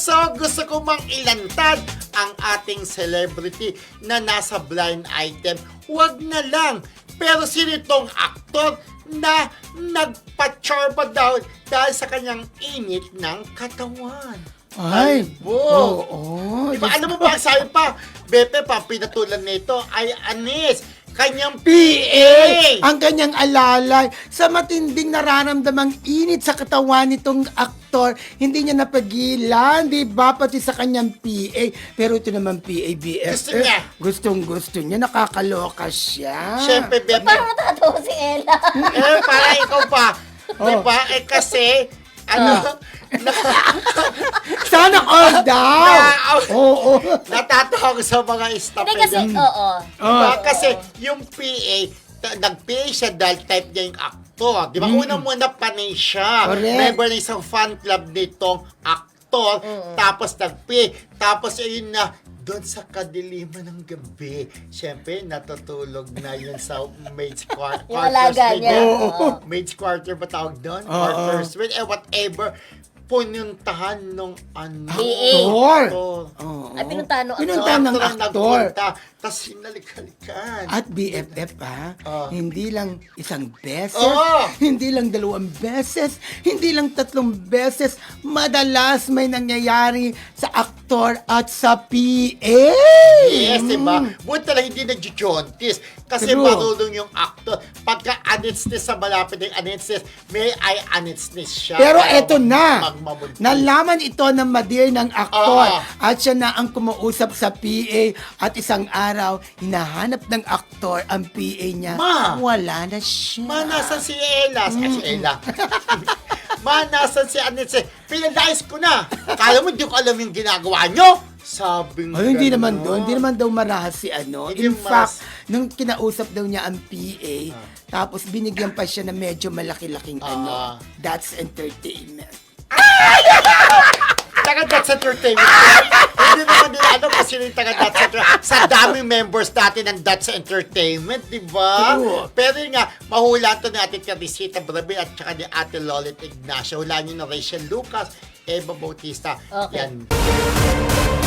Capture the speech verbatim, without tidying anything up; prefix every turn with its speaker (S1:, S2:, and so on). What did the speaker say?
S1: So, gusto ko mang ilantad ang ating celebrity na nasa blind item. Huwag na lang. Pero sino itong aktor na nagpa-charba daw dahil sa kanyang init ng katawan?
S2: Ay,
S1: Albo.
S2: oo. Oh,
S1: Diba, alam mo ba, ang sabi pa, Bepe, pa, pinatulan nito ay Anis, kanyang
S2: P A! Ang kanyang alalay. Sa matinding nararamdamang init sa katawan nitong aktor, hindi niya napagilan, di ba? Pati sa kanyang P A. Pero ito naman P A B F.
S1: Gusto niya.
S2: Gustong gusto niya. Nakakaloka siya.
S1: Siyempre, Bepe,
S3: Parang natatawa si Ella.
S1: eh, para ikaw pa.
S2: Oh.
S1: Diba? Eh, kasi, ano, na,
S2: Sana all daw!
S1: Na-
S2: Oo.
S1: natatawa ko sa mga staff.
S3: Hindi kasi,
S1: nila.
S3: oo.
S1: Diba?
S2: Oh.
S1: Kasi yung P A, ta- nag-P A siya dahil type niya yung actor. Di ba?
S2: Mm.
S1: Una-muna panay siya.
S2: Correct.
S1: Member ng isang fan club nitong actor. Tapos nag-P A. Tapos ayun na, doon sa kadiliman ng gabi, syempre, natutulog na yun sa maid's quar-
S3: Yung alaga
S1: suite.
S3: niya.
S2: Oo.
S3: Oo.
S1: Maid's quarter ba tawag doon?
S2: Oo.
S1: Quarter suite, eh whatever. Pununtahan nung ano.
S3: P A.
S2: Aktor.
S1: Aktor.
S2: Oo.
S3: Ay, pinuntahan ng
S2: Pinuntahan ng
S1: Aktor ang
S2: aktor.
S1: nagpunta, Tapos hinalik-halikan.
S2: At B F F ha,
S1: Oh.
S2: hindi lang isang beses,
S1: Oo.
S2: hindi lang dalawang beses, hindi lang tatlong beses, madalas may nangyayari sa aktor at sa P A.
S1: Yes, diba? Buti lang hindi nag-jaunties. Kasi
S2: True.
S1: marunong yung actor. Pagka anitsness sa malapit ng anitsness, may ay anitsness siya.
S2: Pero
S1: Kaya
S2: eto na,
S1: magmamudis.
S2: nalaman ito ng madir ng aktor
S1: Oo.
S2: at siya na ang kumausap sa P A at isang araw, hinahanap ng aktor ang P A niya.
S1: Ma!
S2: Wala na siya.
S1: Ma, nasan si Ella? Si si Ella. Ma, nasan si Anitse? Pinalayas ko na. Kala mo, di ko alam yung ginagawa nyo? Sabing
S2: Ay, hindi
S1: ganon.
S2: naman doon. Hindi naman daw marahas si ano.
S1: Hindi
S2: In
S1: marahas.
S2: fact, nung kinausap daw niya ang P A, tapos binigyan pa siya ng medyo malaki-laking
S1: Ah.
S2: ano. That's entertainment.
S1: Taga That's Entertainment. Hindi naman nila ano kasi yung taga That's Entertainment. Sa daming members natin ng That's Entertainment, di ba?
S2: True.
S1: Pero yun nga, mahulaan to ni Ate Teresita Brabe at saka ni Ate Lolit Ignacio. Hulaan nyo na Rachel Lucas, Eva Bautista.
S3: Okay.
S1: Yan.